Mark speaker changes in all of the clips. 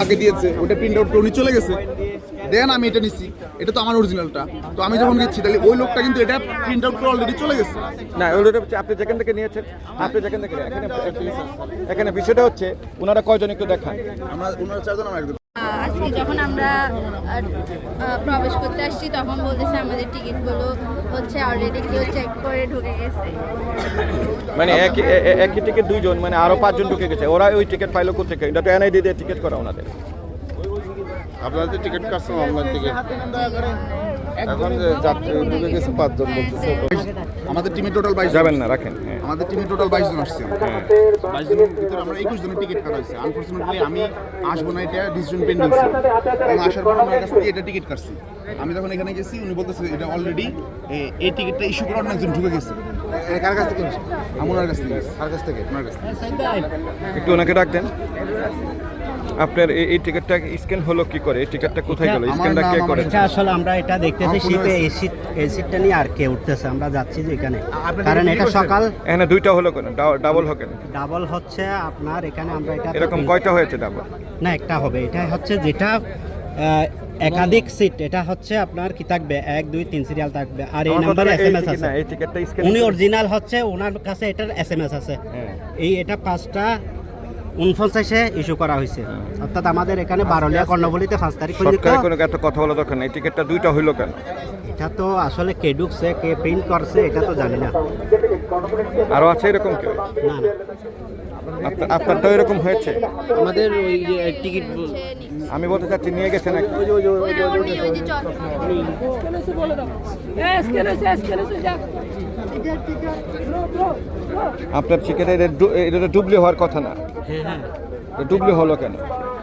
Speaker 1: আগে দিয়েছে ওটা প্রিন্ট আউট করে উনি চলে গেছে, দেন আমি এটা নিচ্ছি, এটা তো আমার অরিজিনালটা। তো আমি যখন গেছি তাহলে ওই লোকটা কিন্তু এটা প্রিন্ট আউট করে অলরেডি চলে গেছে।
Speaker 2: না ওটা হচ্ছে আপনি যেখান থেকে নিয়েছেন, আপনি যেখান থেকে এখানে বিষয়টা হচ্ছে ওনারা কয়জন একটু দেখান।
Speaker 1: ওনারা 4 জন, আমরা একজন।
Speaker 3: আজকে যখন আমরা প্রবেশ করতে আসছি তখন বলতেছে আমাদের টিকিটগুলো হচ্ছে অলরেডি কেউ চেক করে ঢুকে গেছে।
Speaker 2: মানে একই টিকিট দুইজন, মানে আরো 5 জন ঢুকে গেছে। ওরা ওই টিকিট পাইলো কোথেকে? এটা তো এনআইডি দিয়ে টিকিট করা ওনাদের।
Speaker 4: আপনাদের টিকিট কাটছে অনলাইন থেকে, এখন যে যাত্রী ঢুকে গেছে 5 জন বলতেছে।
Speaker 1: আমাদের টিমে টোটাল 22
Speaker 2: যাবেন না, রাখেন।
Speaker 1: আমাদের টিমে টোটাল 22 জন আসছে। 22 জনের ভিতরে আমরা 21 জনের টিকিট কাটা হয়েছে। আনফরচুনেটলি আমি আসবো না, এটা ডিসিশন পেন্ডিং ছিল। এবং আসার পর আমার কাছ থেকে এটা টিকিট কাটছি। আমি যখন এখানে গেছি উনি বলতেছে এটা অলরেডি এই টিকিটটা ইস্যু করার একজন ঢুকে গেছে।
Speaker 4: কার কাছ থেকে নিয়েছে?
Speaker 1: আমার কাছ থেকে।
Speaker 4: কার কাছ থেকে?
Speaker 1: ওনার কাছ থেকে।
Speaker 2: একটু ওনাকে ডাক দেন। আপনার এই টিকিটটা স্ক্যান হলো কি করে? এই টিকিটটা কোথায় গেল? স্ক্যানটা কে করে?
Speaker 5: এটা আসলে আমরা এটা দেখতেছি শিপে এই সিটটা নিয়ে আর কে উঠতেছে, আমরা যাচ্ছি যে এখানে, কারণ এটা সকাল
Speaker 2: এখানে দুইটা হলো কেন? ডাবল হবে কেন?
Speaker 5: ডাবল হচ্ছে আপনার এখানে আমরা এটা
Speaker 2: এরকম কয়টা হয়েছে ডাবল?
Speaker 5: না একটা হবে, এটা হচ্ছে যেটা একাধিক সিট, এটা হচ্ছে আপনার কি থাকবে 1 2 3 সিরিয়াল থাকবে, আর এই নাম্বারে এসএমএস আছে।
Speaker 2: এই টিকিটটা স্ক্যান
Speaker 5: উনি অরিজিনাল হচ্ছে, ওনার কাছে এটার এসএমএস আছে। এটা 5টা 49-এ ইস্যু করা হয়েছে, অর্থাৎ আমাদের এখানে বারলিয়া কর্ণফুলীতে 5 তারিখ
Speaker 2: সরকারি কোনো এত কথা বলা দরকার নেই। টিকিটটা দুইটা হইলো কেন?
Speaker 5: এটা তো আসলে কে ঢুকছে কে প্রিন্ট করছে এটা তো জানি না।
Speaker 2: আরো আছে এরকম কেউ?
Speaker 5: না না,
Speaker 2: আপনার তো এরকম হয়েছে?
Speaker 6: আমাদের ওই যে টিকিট
Speaker 2: আমি বলতে চাচ্ছি নিয়ে গেছেন নাকি? আপনার টিকিট এটা ডুবলি হওয়ার কথা না, ডুবলি হলো কেন?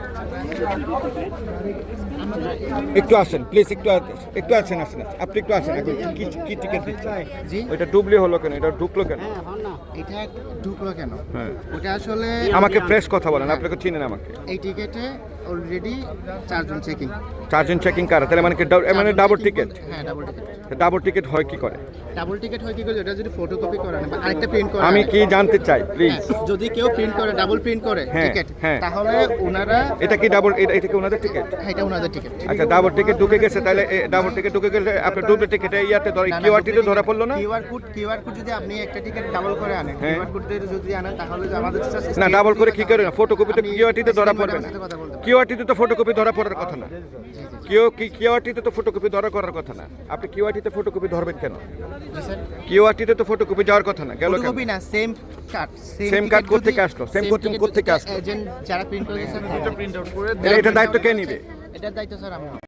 Speaker 2: একটু আসেন প্লিজ, একটু আসেন, আপনি একটু আসেন। কি টিকিট দিচ্ছেন? ওইটা ডুবলি হলো কেন? এটা ঢুকলো কেন?
Speaker 7: এটা ঢুকলো কেন?
Speaker 2: হ্যাঁ,
Speaker 7: ওটা আসলে
Speaker 2: আমাকে ফ্রেশ কথা বলেন, আপনাকে চিনেন আমাকে।
Speaker 7: এই টিকেটে অলরেডি 4 জন চেকিং।
Speaker 2: 4 জন চেকিং কারা? তাহলে মানে ডাবল টিকিট?
Speaker 7: হ্যাঁ ডাবল টিকেট।
Speaker 2: ডাবল টিকিট হয় কি করে?
Speaker 7: ডাবল টিকেট হয় কি করে? এটা যদি ফটোকপি করেন বা আরেকটা প্রিন্ট করেন,
Speaker 2: আমি কি জানতে চাই প্লিজ।
Speaker 7: যদি কেউ প্রিন্ট করে ডাবল প্রিন্ট করে টিকেট, তাহলে ওনারা
Speaker 2: এটা কি ডাবল, এটা কি ওনাদের টিকিট?
Speaker 7: হ্যাঁ এটা ওনাদের টিকেট।
Speaker 2: আচ্ছা, ডাবল টিকিট ঢুকে গেছে, তাহলে ডাবল টিকিট ঢুকে গেলে আপনার ডুবল টিকিটে ইয়াতে ধরে কিউআরটিতে ধরা পড়লো না?
Speaker 7: কিউআর কোড যদি আপনি একটা টিকেট ডাবল করে আনেন, কিউআর কোড যদি আনেন তাহলে আমাদের
Speaker 2: না, ডাবল করে কি করে না? ফটোকপিতে কিউআরটিতে ধরা পড়বে না? কিউআরটিতে তো ফটোকপি ধরা পড়ার কথা না। কিউআরটিতে তো ফটোকপি ধরা করার কথা না। আপনি কিউআরটিতে ফটোকপি ধরবেন কেন? কিউআরটিতে তো ফটোকপি যাওয়ার কথা না, গেল কেন?
Speaker 7: ফটোকপি না,
Speaker 2: সেম কার্ড কোত্থেকে আসলো? সেম কোত্থেকে আসলো?
Speaker 7: এজেন্ট যারা প্রিন্ট করেছে
Speaker 1: এটা প্রিন্ট আউট করে
Speaker 2: এটা দায়িত্ব কে নিবে?
Speaker 7: এটার দায়িত্ব স্যার আমরা।